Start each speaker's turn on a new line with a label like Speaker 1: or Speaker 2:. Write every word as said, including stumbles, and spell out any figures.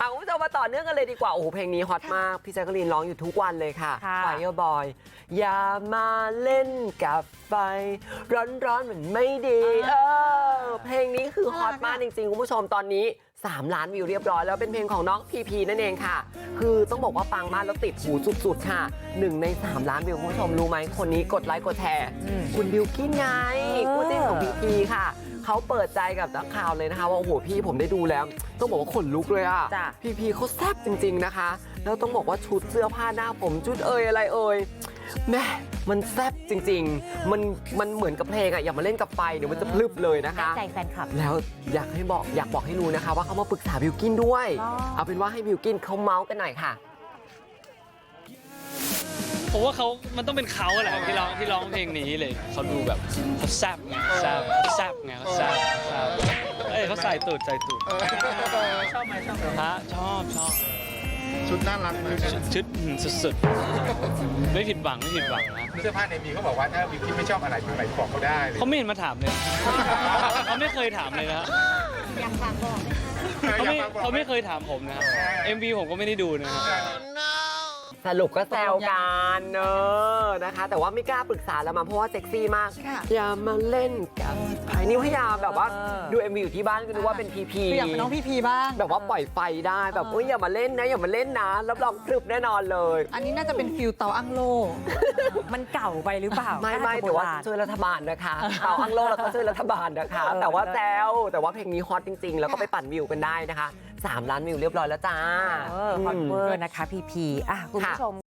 Speaker 1: เอาคุณผู้ชมมาต่อเนื่องกันเลยดีกว่าโอ้โหเพลงนี้ฮอตมากพี่แจ๊กกะลีนร้องอยู่ทุกวันเลยค่ะ Fireboy อย่ามาเล่นกับไฟร้อนๆเหมือนไม่ดีเออเพลงนี้คือฮอตมากจริงๆคุณผู้ชมตอนนี้สามล้านวิวเรียบร้อยแล้วเป็นเพลงของน้องพีพีนั่นเองค่ะคือต้องบอกว่าปังมากแล้วติดหูสุดๆค่ะหนึ่งในสามล้านวิวคุณผู้ชมรู้ไหมคนนี้กดไลค์กดแชร์คุณบิวกิ้นไงคู่จิ้นของพีพีค่ะเขาเปิดใจกับนักข่าวเลยนะคะว่าโอ้โหพี่ผมได้ดูแล้วต้องบอกว่าขนลุกเลยอ่ะพีพีเขาแซ่บจริงๆนะคะแล้วต้องบอกว่าชุดเสื้อผ้าหน้าผมชุดเอ่ยอะไรเอ่ยแม่มันแซ่บจริงๆมันมันเหมือนกับเพลงอ่ะอย่ามาเล่นกับไฟเดี๋ยวมันจะพลึบเลยนะคะ
Speaker 2: ใจแฟนคลับ
Speaker 1: แล้วอยากให้บอกอยากบอกให้รู้นะคะว่าเขามาปรึกษาบิวกิ้นด้วยเอาเป็นว่าให้บิวกิ้นเขาเมาส์กันหน่อยค่ะ
Speaker 3: ผมว่าเขามันต้องเป็นเขาแหละที่ร้องที่ร้องเพลงนี้เลยเขาดูแบบเขาแซ่บไงแซ่บแซ่บไงเขาแซ่บเอ้ยเขาใส่ตูดใส่ตูดชอบไหมชอบไหมฮะชอบชอบ
Speaker 4: ชุดน่ารักไหม
Speaker 3: ชุดสุดๆไม่ผิดหวังไม่ผิดหวังนะ
Speaker 4: เสื้อผ้าในมีเขาบอกว่าถ้าวิวคิดไม่ชอบอะไรตรงไหนบอกเขาได้
Speaker 3: เขาไม่เห็นมาถามเลยเขาไม่เคยถามเลยนะ
Speaker 2: อยากฝากบอก
Speaker 3: เขาไม่เขาไม่เคยถามผมนะครับ เอ็ม วี ผมก็ไม่ได้ดูนะครับ
Speaker 1: สรุปก็แซวกันเนอะนะคะแต่ว่าไม่กล้าปรึกษาแล้วมาเพราะว่าเซ็กซี่มากอย่ามาเล่นกับไอ้นี่พยายามแบบว่าดู เอ็ม วี อยู่ที่บ้านก็นึกว่าเป็นพีพี
Speaker 2: อยากเป็นน้องพีพีบ้าง
Speaker 1: แบบว่าปล่อยไฟได้แบบเอ้ยอย่ามาเล่นนะอย่ามาเล่นนะรับรองครึบแน่นอนเลย
Speaker 2: อันนี้น่าจะเป็นฟิลเตาอั้งโลมันเก่าไปหรือเปล่า
Speaker 1: ไม่ไม่แต่ว่าช่วยรัฐบาลนะคะเตาอั้งโลแล้วก็ช่วยรัฐบาลนะคะแต่ว่าแซวแต่ว่าเพลงนี้ฮอตจริงๆแล้วก็ไปปั่นวิวกันได้นะคะสามล้านวิวเรียบร้อยแล้วจ้า
Speaker 2: เออฮอตเวอร์นะคะพีพีอ่ะคุณผู้ชม